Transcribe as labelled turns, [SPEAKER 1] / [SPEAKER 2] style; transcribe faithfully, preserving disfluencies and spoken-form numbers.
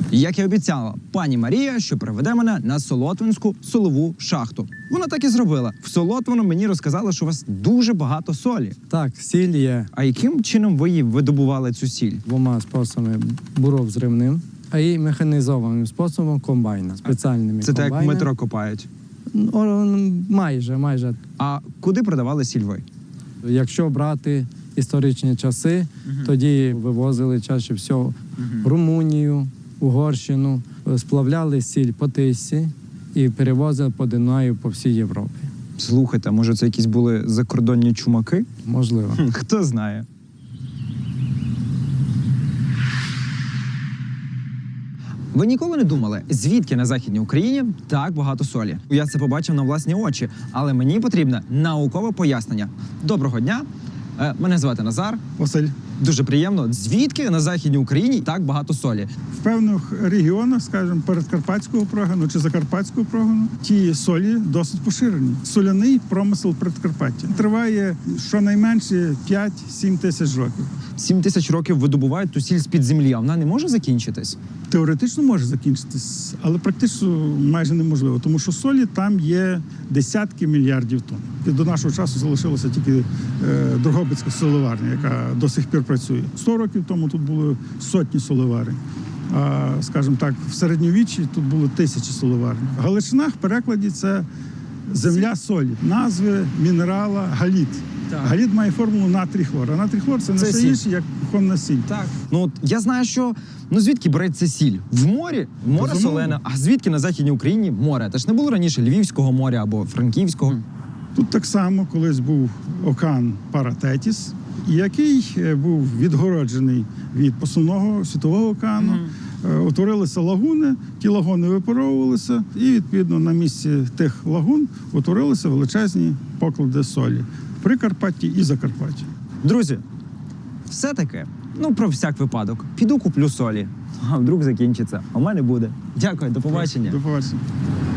[SPEAKER 1] Як і обіцяла пані Марія, що приведе мене на Солотвинську солову шахту. Вона так і зробила. В Солотвину мені розказали, що у вас дуже багато солі.
[SPEAKER 2] Так, сіль є
[SPEAKER 1] А яким чином ви її видобували цю сіль?
[SPEAKER 2] двома способами: буровзривним, а і механізованим способом комбайна, спеціальними
[SPEAKER 1] Це так, як
[SPEAKER 2] комбайнами.
[SPEAKER 1] метро копають.
[SPEAKER 2] О, майже, майже.
[SPEAKER 1] А куди продавали сіль ви?
[SPEAKER 2] Якщо брати історичні часи, тоді вивозили чаще всього в Румунію, Угорщину, сплавляли сіль по Тисі і перевозили по Дунаю по всій Європі.
[SPEAKER 1] Слухайте, може це якісь були закордонні чумаки?
[SPEAKER 2] Можливо.
[SPEAKER 1] Хм, Хто знає. Ви ніколи не думали, звідки на Західній Україні так багато солі? Я це побачив на власні очі, але мені потрібне наукове пояснення. Доброго дня, Е, мене звати Назар.
[SPEAKER 3] Василь,
[SPEAKER 1] Дуже приємно. Звідки на Західній Україні так багато солі?
[SPEAKER 3] в певних регіонах, скажімо, передкарпатського прогону чи закарпатського прогону, ті солі досить поширені. Соляний промисел Прикарпаття триває щонайменше п'ять-сім тисяч років.
[SPEAKER 1] Сім тисяч років видобувають ту сіль з-під землі, а вона не може закінчитись?
[SPEAKER 3] Теоретично може закінчитись, але практично майже неможливо, тому що солі там є десятки мільярдів тонн. І до нашого часу залишилася тільки е, Дрогобицька солеварня, яка до сих пір працює. Сто років тому тут були сотні солеварень. А, скажімо так, в середньовіччі тут було тисячі солеварень. Галичина в перекладі це земля солі, назви мінерала галіт.
[SPEAKER 1] Так.
[SPEAKER 3] Галіт має формулу натрій-хлор, а натрій-хлор це не
[SPEAKER 1] Це
[SPEAKER 3] все
[SPEAKER 1] сіль.
[SPEAKER 3] інше, як кухонна сіль.
[SPEAKER 1] Так. Ну от я знаю, що ну звідки береться сіль? В морі? Море
[SPEAKER 3] Безумовно.
[SPEAKER 1] солене. А звідки на Західній Україні море? Та ж не було раніше Львівського моря або Франківського.
[SPEAKER 3] Тут так само колись був океан Паратетіс, який е, був відгороджений від основного світового океану. Е, Утворилися лагуни, ті лагуни випаровувалися, і відповідно на місці тих лагун утворилися величезні поклади солі в Прикарпатті і Закарпатті.
[SPEAKER 1] Друзі, все-таки, ну про всяк випадок, піду куплю солі. А вдруг закінчиться, а в мене буде. Дякую, до побачення.
[SPEAKER 3] До побачення.